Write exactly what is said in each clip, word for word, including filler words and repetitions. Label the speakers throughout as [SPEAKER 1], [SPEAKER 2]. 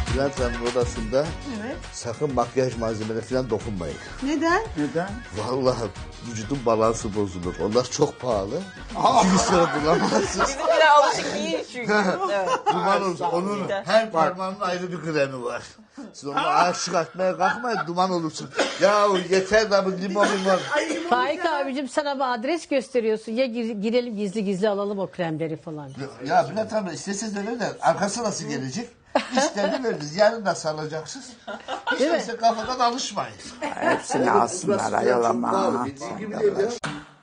[SPEAKER 1] Bülent Hanım'ın odasında
[SPEAKER 2] Evet.
[SPEAKER 1] sakın makyaj malzemeleri falan dokunmayın.
[SPEAKER 2] Neden?
[SPEAKER 3] Neden?
[SPEAKER 1] Vallahi vücudun balansı bozulur. Onlar çok pahalı. İki gün sonra bulamazsınız.
[SPEAKER 4] Bizimkiler alışık değil çünkü. Evet.
[SPEAKER 1] Duman olsun. Onun her parmağının ayrı bir kremi var. Siz onu aşık atmaya kalkmayın, duman olursun. Ya yeter de bu limon limon.
[SPEAKER 5] Faik abicim sana bir adres gösteriyorsun. Ya gir- girelim gizli gizli alalım o kremleri falan.
[SPEAKER 1] Ya Bülent Hanım isteseniz öyle de arkası nasıl gelecek? İşlerini veririz. Yarın da salacaksınız. Hiç değilse kafadan alışmayın.
[SPEAKER 3] Hepsini alsınlar ayol ama.
[SPEAKER 1] Bildiğin gibi değil ya.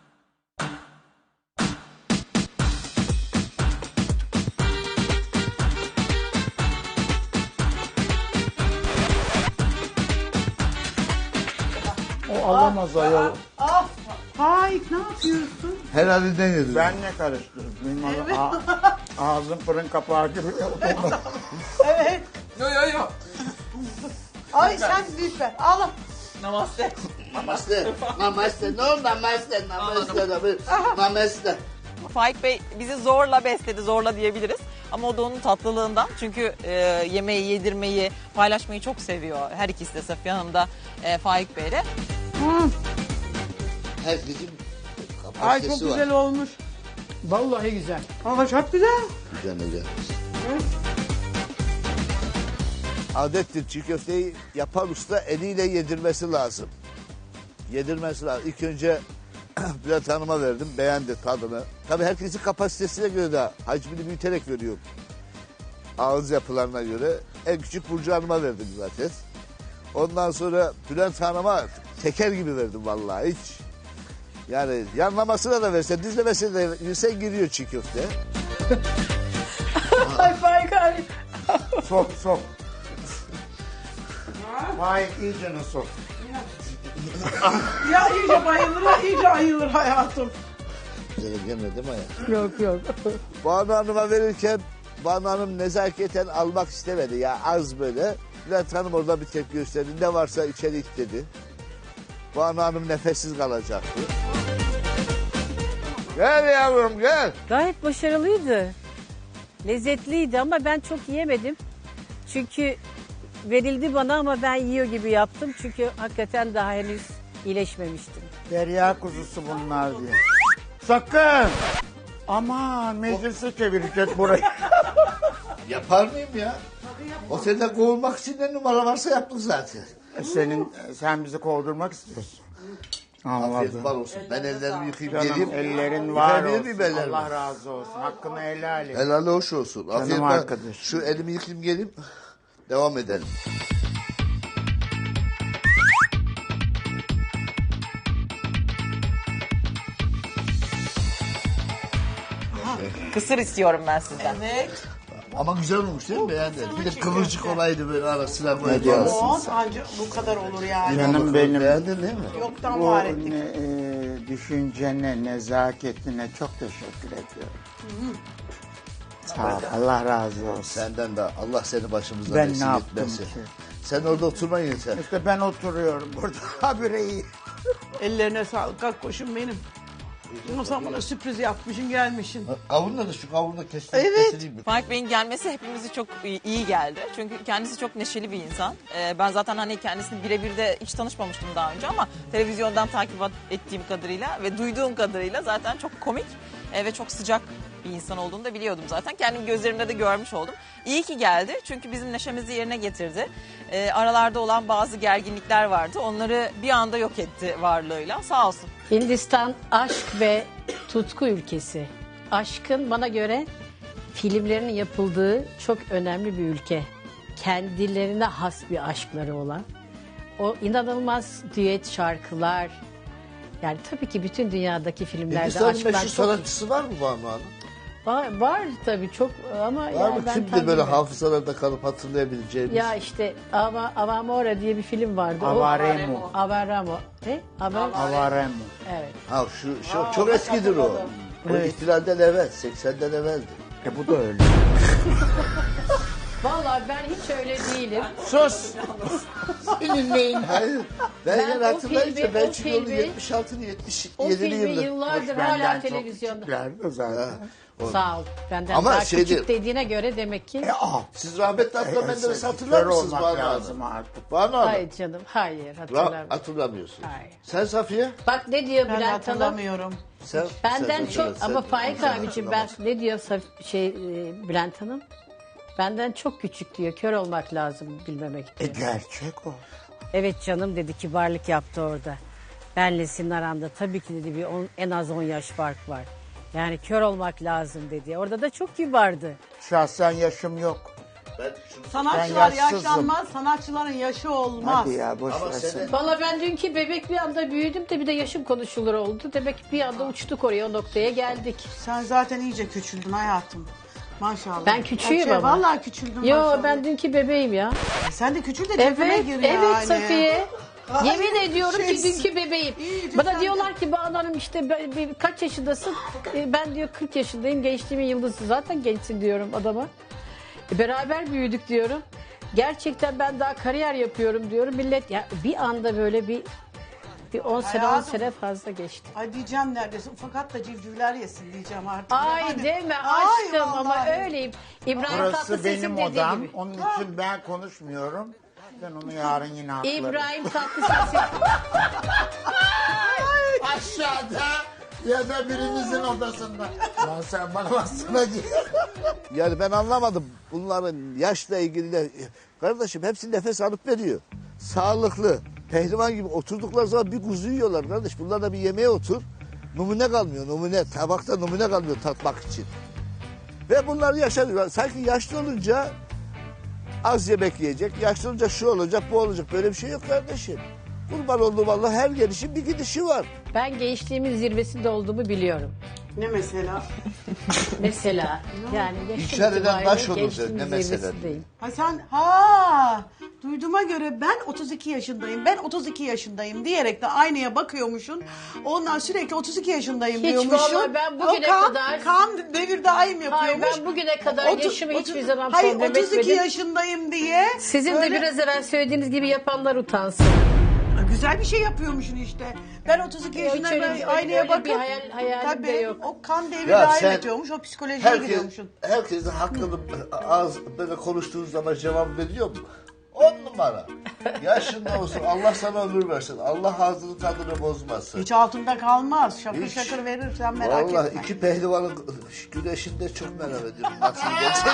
[SPEAKER 3] O alamaz ayol.
[SPEAKER 2] Ah, Faik ne yapıyorsun?
[SPEAKER 1] Her halinden yedim.
[SPEAKER 3] Ben ne karıştırdım? Benim evet. Ağzım fırın kapağı gibi.
[SPEAKER 2] Evet.
[SPEAKER 4] Yo yo yo.
[SPEAKER 2] Ay sen lütfen. Al.
[SPEAKER 4] Namaste.
[SPEAKER 1] Namaste. Namaste. No namaste. Namaste. Namaste.
[SPEAKER 4] Faik Bey bizi zorla besledi, zorla diyebiliriz. Ama o da onun tatlılığından. Çünkü e, yemeği, yedirmeyi, paylaşmayı çok seviyor. Her ikisi de Safiye Hanım da e, Faik Bey'le.
[SPEAKER 1] Herkesin
[SPEAKER 2] Ay çok
[SPEAKER 1] kapasitesi var.
[SPEAKER 2] güzel olmuş.
[SPEAKER 5] Vallahi güzel.
[SPEAKER 2] Ama çok güzel.
[SPEAKER 1] Güzel güzel. Adettir çiğ köfteyi yapan usta eliyle yedirmesi lazım. Yedirmesi lazım. İlk önce Bülent Hanım'a verdim. Beğendi tadını. Tabii herkesin kapasitesine göre de hacmini büyüterek veriyor. Ağız yapılarına göre. En küçük Burcu Hanım'a verdim zaten. Ondan sonra Bülent Hanım'a teker gibi verdim vallahi hiç. Yani yanlamasına da versen, düzlemesine de versen giriyor çiğ köfte.
[SPEAKER 5] Ay Faik abi.
[SPEAKER 3] Sok sok. Vay iyicene sok.
[SPEAKER 2] Ya iyice bayılır ya iyice ayılır hayatım.
[SPEAKER 1] Güzel gelmedi mi ya?
[SPEAKER 5] Yok yok.
[SPEAKER 1] Banu Hanım'a verirken Banu Hanım nezaketen almak istemedi ya az böyle. Bülent Hanım orada bir tepki gösterdi. Ne varsa içeri it dedi. Banu Hanım nefessiz kalacaktı. Gel yavrum gel.
[SPEAKER 5] Gayet başarılıydı. Lezzetliydi ama ben çok yiyemedim. Çünkü verildi bana ama ben yiyor gibi yaptım. Çünkü hakikaten daha henüz iyileşmemiştim.
[SPEAKER 3] Derya kuzusu bunlar diye. Sakın. Aman meclise çevirecek burayı.
[SPEAKER 1] Yapar mıyım ya? Otelde kovulmak için ne numara varsa yaptık zaten.
[SPEAKER 3] Senin sen bizi kovdurmak istiyorsun.
[SPEAKER 1] Afiyet
[SPEAKER 3] Anladım.
[SPEAKER 1] bal olsun. Ben ellerimi yıkayıp
[SPEAKER 3] Canım
[SPEAKER 1] geleyim.
[SPEAKER 3] ellerin var
[SPEAKER 1] Yıkayabilir
[SPEAKER 3] olsun.
[SPEAKER 1] miyim ellerimi?
[SPEAKER 3] Allah razı olsun. Hakkını helal et.
[SPEAKER 1] Helal hoş olsun.
[SPEAKER 3] Canım
[SPEAKER 1] Afiyet bal.
[SPEAKER 3] arkadaş.
[SPEAKER 1] Şu elimi yıkayayım geleyim. Devam edelim.
[SPEAKER 4] Kısır istiyorum ben sizden.
[SPEAKER 2] Evet.
[SPEAKER 1] Ama güzel olmuş değil mi? Beğendin. Bir de kıvırcık olaydı böyle arasına böyle.
[SPEAKER 3] diyorsun?
[SPEAKER 2] O ancak bu kadar olur yani.
[SPEAKER 3] Canım benim.
[SPEAKER 1] Beğendin değil mi?
[SPEAKER 2] Yoktan
[SPEAKER 3] Bu
[SPEAKER 2] var ettik.
[SPEAKER 3] ne, e, düşüncene, nezaketine çok teşekkür ediyorum. Sağ ol. Allah razı olsun.
[SPEAKER 1] Senden de Allah seni başımızdan
[SPEAKER 3] Ben ne
[SPEAKER 1] eksik
[SPEAKER 3] yaptım
[SPEAKER 1] etmesin.
[SPEAKER 3] ki?
[SPEAKER 1] Sen orada oturma yeter.
[SPEAKER 3] İşte ben oturuyorum burada. Habire iyi.
[SPEAKER 2] Ellerine sağlık. Kalk koşun benim. Ama sen bana sürpriz yapmışsın gelmişsin.
[SPEAKER 1] Kavunla da şu kavunla kestim.
[SPEAKER 2] Evet.
[SPEAKER 1] Kesileyim mi?
[SPEAKER 4] Faik Bey'in gelmesi hepimizi çok iyi iyi geldi. Çünkü kendisi çok neşeli bir insan. Ee, ben zaten hani kendisini birebir de hiç tanışmamıştım daha önce ama televizyondan takip ettiğim kadarıyla ve duyduğum kadarıyla zaten çok komik e, ve çok sıcak bir insan olduğunu da biliyordum zaten. Kendim gözlerimle de görmüş oldum. İyi ki geldi çünkü bizim neşemizi yerine getirdi. Ee, aralarda olan bazı gerginlikler vardı. Onları bir anda yok etti varlığıyla. Sağ olsun.
[SPEAKER 5] Hindistan aşk ve tutku ülkesi. Aşkın bana göre filmlerinin yapıldığı çok önemli bir ülke. Kendilerine has bir aşkları olan. O inanılmaz düet şarkılar. Yani tabii ki bütün dünyadaki filmlerde
[SPEAKER 1] Hindistan'ın
[SPEAKER 5] aşklar
[SPEAKER 1] meşhur
[SPEAKER 5] çok...
[SPEAKER 1] sanatçısı var mı Banu Hanım?
[SPEAKER 5] Var, var tabii çok ama
[SPEAKER 1] Var
[SPEAKER 5] yani
[SPEAKER 1] mı?
[SPEAKER 5] ben
[SPEAKER 1] Kimdi
[SPEAKER 5] tam
[SPEAKER 1] böyle
[SPEAKER 5] bilmiyorum.
[SPEAKER 1] hafızalarda kalıp hatırlayabileceğimiz?
[SPEAKER 5] Ya işte Ava, Avamora diye bir film vardı. O-
[SPEAKER 3] Avaremo.
[SPEAKER 5] Avaramo. Ne? Avar...
[SPEAKER 3] Avaremo.
[SPEAKER 5] Evet.
[SPEAKER 1] Ha şu, şu çok eskidir o. O
[SPEAKER 3] Evet.
[SPEAKER 1] ihtilalden evvel, seksenden evveldi.
[SPEAKER 3] E bu da öyle.
[SPEAKER 5] Vallahi Vallahi ben hiç öyle değilim.
[SPEAKER 3] Sus. Senin neyin?
[SPEAKER 1] Hayır. Ben,
[SPEAKER 5] Ben
[SPEAKER 1] ben
[SPEAKER 5] o
[SPEAKER 1] hatırlayınca
[SPEAKER 5] filmi-
[SPEAKER 1] ben
[SPEAKER 5] o
[SPEAKER 1] çünkü onu
[SPEAKER 5] filmi-
[SPEAKER 1] yetmiş altılı yetmiş
[SPEAKER 5] O
[SPEAKER 1] yedili
[SPEAKER 5] filmi
[SPEAKER 1] yıldır.
[SPEAKER 5] yıllardır
[SPEAKER 3] Benden
[SPEAKER 5] hala
[SPEAKER 3] çok
[SPEAKER 5] televizyonda.
[SPEAKER 3] küçüklerdi zaten.
[SPEAKER 5] Sağ ol. Benden
[SPEAKER 1] Ama
[SPEAKER 5] daha
[SPEAKER 1] şey
[SPEAKER 5] küçük
[SPEAKER 1] değil.
[SPEAKER 5] dediğine göre demek ki.
[SPEAKER 3] E, ah.
[SPEAKER 1] Siz rahmetli Adnan
[SPEAKER 3] E,
[SPEAKER 1] Menderes'i
[SPEAKER 3] kör
[SPEAKER 1] hatırlar mısınız
[SPEAKER 3] olmak
[SPEAKER 1] Banu
[SPEAKER 3] lazım
[SPEAKER 1] Hanım?
[SPEAKER 3] artık.
[SPEAKER 1] Banu Hanım.
[SPEAKER 5] Hayır canım. Hayır
[SPEAKER 1] Ra-
[SPEAKER 5] hatırlamıyorum.
[SPEAKER 1] hatırlamıyorsun.
[SPEAKER 5] Hayır.
[SPEAKER 1] Sen Safiye?
[SPEAKER 5] Bak ne diyor
[SPEAKER 2] Ben
[SPEAKER 5] Bülent Hanım?
[SPEAKER 2] hatırlamıyorum.
[SPEAKER 1] Sen,
[SPEAKER 5] Benden
[SPEAKER 1] sen
[SPEAKER 5] çok
[SPEAKER 1] hatırla,
[SPEAKER 5] ama
[SPEAKER 1] sen-
[SPEAKER 5] Faik
[SPEAKER 1] sen
[SPEAKER 5] abicim ben
[SPEAKER 1] hatırlamazsın.
[SPEAKER 5] ne diyor Saf- şey e, Bülent Hanım? Benden çok küçük diyor. Kör olmak lazım bilmemek
[SPEAKER 3] E
[SPEAKER 5] diyor.
[SPEAKER 3] gerçek o.
[SPEAKER 5] Evet canım dedi, kibarlık yaptı orada. Benle senin aranda tabii ki dedi bir on- en az on yaş fark var. Yani kör olmak lazım dedi. Orada da çok kibardı.
[SPEAKER 3] Şahsen yaşım yok.
[SPEAKER 1] Ben şunu-
[SPEAKER 2] Sanatçılar
[SPEAKER 3] Ben yaşsızım.
[SPEAKER 2] yaşlanmaz, sanatçıların yaşı olmaz.
[SPEAKER 3] Hadi ya boş
[SPEAKER 1] Ama
[SPEAKER 3] versin.
[SPEAKER 1] seni-
[SPEAKER 5] Valla ben dünkü bebek bir anda büyüdüm de bir de yaşım konuşulur oldu. Demek ki bir anda uçtuk oraya, o noktaya geldik.
[SPEAKER 2] Sen zaten iyice küçüldün hayatım. Maşallah.
[SPEAKER 5] Ben küçüğüm
[SPEAKER 2] Şey,
[SPEAKER 5] ama.
[SPEAKER 2] Vallahi küçüldün
[SPEAKER 5] Yo
[SPEAKER 2] maşallah.
[SPEAKER 5] ben dünkü bebeğim ya.
[SPEAKER 2] Sen de küçül de cebime
[SPEAKER 5] Evet,
[SPEAKER 2] gir
[SPEAKER 5] evet
[SPEAKER 2] yani.
[SPEAKER 5] Safiye.
[SPEAKER 2] Ay,
[SPEAKER 5] Yemin ediyorum ki
[SPEAKER 2] şeysin.
[SPEAKER 5] dünkü bebeğim.
[SPEAKER 2] İyice
[SPEAKER 5] Bana
[SPEAKER 2] sen
[SPEAKER 5] diyorlar ki Banu Hanım işte ben- bir- kaç yaşındasın? E, Ben diyor kırk yaşındayım, gençliğimin yıldızı. Zaten gençsin diyorum adama. E, Beraber büyüdük diyorum. Gerçekten ben daha kariyer yapıyorum diyorum. Millet ya bir anda böyle bir bir on sene on
[SPEAKER 2] Hayatım.
[SPEAKER 5] sene fazla geçti.
[SPEAKER 2] Ay diyeceğim neredeyse fakat da civcivler yesin diyeceğim artık.
[SPEAKER 5] Ay
[SPEAKER 2] Yani-
[SPEAKER 5] deme
[SPEAKER 2] Ay
[SPEAKER 5] aşkım ama
[SPEAKER 2] vallahi.
[SPEAKER 5] öyleyim. İbrahim
[SPEAKER 3] Burası
[SPEAKER 5] Tatlıses'in
[SPEAKER 3] benim
[SPEAKER 5] dediği
[SPEAKER 3] odam.
[SPEAKER 5] gibi.
[SPEAKER 3] Onun için ben konuşmuyorum. Ben onu yarın yine haklarım.
[SPEAKER 5] İbrahim Tatlıses'in
[SPEAKER 3] Aşağıda ya da birinizin odasında. Lan sen bana baksana git.
[SPEAKER 1] Yani ben anlamadım bunların yaşla ilgili de. Kardeşim hepsi nefes alıp veriyor. Sağlıklı. Pehlivan gibi oturdukları zaman bir kuzu yiyorlar kardeş. Bunlar da bir yemeğe otur. Numune kalmıyor numune. Tabakta numune kalmıyor tatmak için. Ve bunlar yaşanıyor. Sanki yaşlı olunca az yemek yiyecek. Yaşlı olunca şu olacak bu olacak. Böyle bir şey yok kardeşim. Kurban olduğum Allah her gelişin bir gidişi var.
[SPEAKER 5] ben gençliğimin zirvesinde olduğumu biliyorum.
[SPEAKER 2] Ne mesela?
[SPEAKER 5] Mesela yani yaşım
[SPEAKER 1] İnkar eden
[SPEAKER 5] itibariyle
[SPEAKER 1] baş olur
[SPEAKER 5] gençliğimin
[SPEAKER 1] ne mesela?
[SPEAKER 5] zirvesindeyim.
[SPEAKER 2] Ha sen ha duyduğuma göre ben otuz iki yaşındayım. Ben otuz iki yaşındayım diyerek de aynaya bakıyormuşsun. Ondan sürekli otuz iki yaşındayım
[SPEAKER 5] Hiç
[SPEAKER 2] diyormuşsun.
[SPEAKER 5] vallahi ben bugüne
[SPEAKER 2] o kan,
[SPEAKER 5] kadar-
[SPEAKER 2] kan devir daim yapıyormuş.
[SPEAKER 5] Hayır, ben bugüne kadar
[SPEAKER 2] Otu-
[SPEAKER 5] yaşımı
[SPEAKER 2] otu-
[SPEAKER 5] hiçbir zaman
[SPEAKER 2] Hayır
[SPEAKER 5] problem
[SPEAKER 2] otuz iki
[SPEAKER 5] etmedim.
[SPEAKER 2] yaşındayım diye.
[SPEAKER 5] Sizin
[SPEAKER 2] böyle-
[SPEAKER 5] de biraz evvel söylediğiniz gibi yapanlar utansın.
[SPEAKER 2] Güzel bir şey yapıyormuşsun işte. Ben otuz iki
[SPEAKER 5] Yok,
[SPEAKER 2] yaşındayım
[SPEAKER 5] öyle-
[SPEAKER 2] ben aynaya
[SPEAKER 5] öyle
[SPEAKER 2] bakıp.
[SPEAKER 5] bir hayal- hayalim de
[SPEAKER 2] tabii,
[SPEAKER 5] yok.
[SPEAKER 2] O kan devri
[SPEAKER 1] Ya
[SPEAKER 2] daim
[SPEAKER 1] sen-
[SPEAKER 2] ediyormuş. O psikolojiye
[SPEAKER 1] Herkes,
[SPEAKER 2] giriyormuşsun.
[SPEAKER 1] herkesin hakkını ağız böyle konuştuğunuz zaman cevap veriyor mu? On numara. Yaşında olsun Allah sana ömür versin. Allah ağzını tadını bozmasın.
[SPEAKER 2] Hiç altında kalmaz. Şakır
[SPEAKER 1] Hiç.
[SPEAKER 2] şakır verir sen merak
[SPEAKER 1] Vallahi
[SPEAKER 2] etme.
[SPEAKER 1] iki pehlivanın güneşinde çok merak ediyorum. Nasıl gelecek?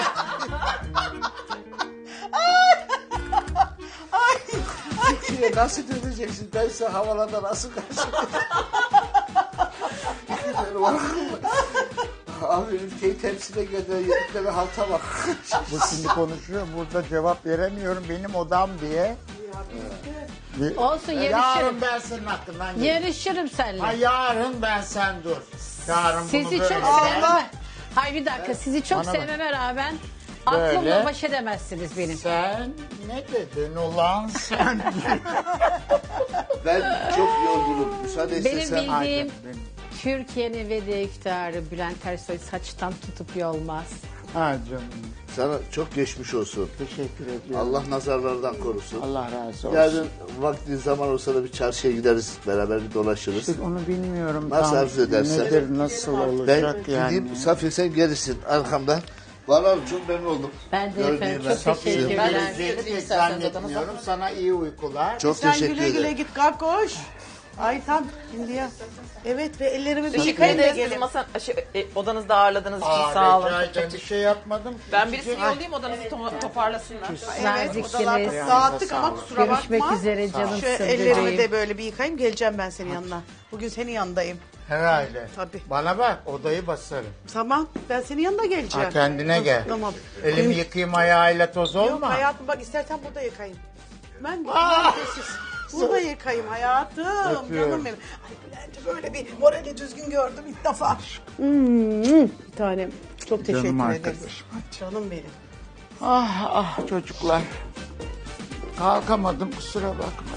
[SPEAKER 1] Türkiye nasıl döneceksin? Ben size havalarda nasıl karşılayacağım? İki pehlivan. Abi ülkeyi temsile geliyor. Yedikleri halta bak.
[SPEAKER 3] Bu şimdi konuşuyor. Burada cevap veremiyorum. Benim odam diye. Bir-
[SPEAKER 5] Olsun,
[SPEAKER 3] Yarın
[SPEAKER 5] yarışırım.
[SPEAKER 3] ben senin hakkından gelirim.
[SPEAKER 5] Yarışırım seninle.
[SPEAKER 3] Ha, yarın ben sen dur. Yarın
[SPEAKER 5] Sizi
[SPEAKER 3] bunu
[SPEAKER 5] çok
[SPEAKER 3] böyle.
[SPEAKER 5] sevmem. Hayır bir dakika, sizi çok
[SPEAKER 3] Bana bak.
[SPEAKER 5] sevmeme rağmen
[SPEAKER 3] Böyle.
[SPEAKER 5] aklımla baş edemezsiniz benim.
[SPEAKER 3] Sen ne dedin ulan sen?
[SPEAKER 1] Ben çok yorgunum. Müsaade
[SPEAKER 5] Benim
[SPEAKER 1] istesem.
[SPEAKER 5] bildiğim
[SPEAKER 3] Aynen, benim.
[SPEAKER 5] Türkiye'nin ve de iktidarı Bülent Ersoy saçtan tutup yolmaz.
[SPEAKER 3] Ha canım.
[SPEAKER 1] Sana çok geçmiş olsun.
[SPEAKER 3] Teşekkür ediyorum.
[SPEAKER 1] Allah nazarlardan korusun.
[SPEAKER 3] Allah razı olsun.
[SPEAKER 1] Yarın vakti zaman olsa da bir çarşıya gideriz. Beraber bir dolaşırız.
[SPEAKER 3] İşte onu bilmiyorum.
[SPEAKER 1] Nasıl
[SPEAKER 3] tam
[SPEAKER 1] arzu edersen.
[SPEAKER 3] Nedir, nasıl
[SPEAKER 1] Ben
[SPEAKER 3] olacak yani.
[SPEAKER 1] gideyim. Safiye sen gerisin arkamdan. Vallahi çok memnun oldum.
[SPEAKER 5] Ben de
[SPEAKER 1] Gördüğüme.
[SPEAKER 5] efendim çok
[SPEAKER 3] Safiye
[SPEAKER 5] teşekkürler.
[SPEAKER 3] geleceğini pek zannetmiyorum. Sana iyi uykular.
[SPEAKER 1] Çok
[SPEAKER 2] Sen
[SPEAKER 1] teşekkür
[SPEAKER 2] güle güle
[SPEAKER 1] ederim.
[SPEAKER 2] git kalk koş. Ay tam şimdi ya. Evet ve ellerimi bir
[SPEAKER 4] Teşekkür
[SPEAKER 2] yıkayın da
[SPEAKER 4] ederiz. Bizi
[SPEAKER 2] gelin.
[SPEAKER 4] masa, şey, e, odanızda ağırladığınız için
[SPEAKER 3] Aa,
[SPEAKER 4] sağ olun.
[SPEAKER 3] rica
[SPEAKER 4] Çok, çok
[SPEAKER 3] ederim. Bir şey yapmadım.
[SPEAKER 4] Ben birisini yollayayım odanızı to- toparlasınlar.
[SPEAKER 2] Evet
[SPEAKER 5] Naziksiniz.
[SPEAKER 2] odalarda dağıttık ama kusura
[SPEAKER 5] Görüşmek
[SPEAKER 2] bakma.
[SPEAKER 5] üzere canımsın
[SPEAKER 2] Şu ellerimi
[SPEAKER 5] bebeğim.
[SPEAKER 2] de böyle bir yıkayayım geleceğim ben senin yanına. Bugün senin yanındayım.
[SPEAKER 3] Herhalde.
[SPEAKER 2] Tabii.
[SPEAKER 3] Bana bak odayı basarım.
[SPEAKER 2] Tamam ben senin yanına geleceğim.
[SPEAKER 3] Ha, kendine gel.
[SPEAKER 2] Tamam.
[SPEAKER 3] Elimi yıkayayım ayağıyla toz
[SPEAKER 2] Yok
[SPEAKER 3] olma.
[SPEAKER 2] hayatım bak istersen burada yıkayayım. Ben ben sessiz. Burada yıkayayım hayatım.
[SPEAKER 3] Öpüyorum.
[SPEAKER 2] Canım benim. Ay Bülent'i böyle bir morali düzgün gördüm ilk defa. Hmm, bir tanem. Çok teşekkür
[SPEAKER 3] Canım
[SPEAKER 2] ederim.
[SPEAKER 3] arkadaşım.
[SPEAKER 2] Canım benim.
[SPEAKER 3] Ah ah çocuklar. Kalkamadım kusura bakma.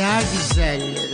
[SPEAKER 3] dünya güzelleri.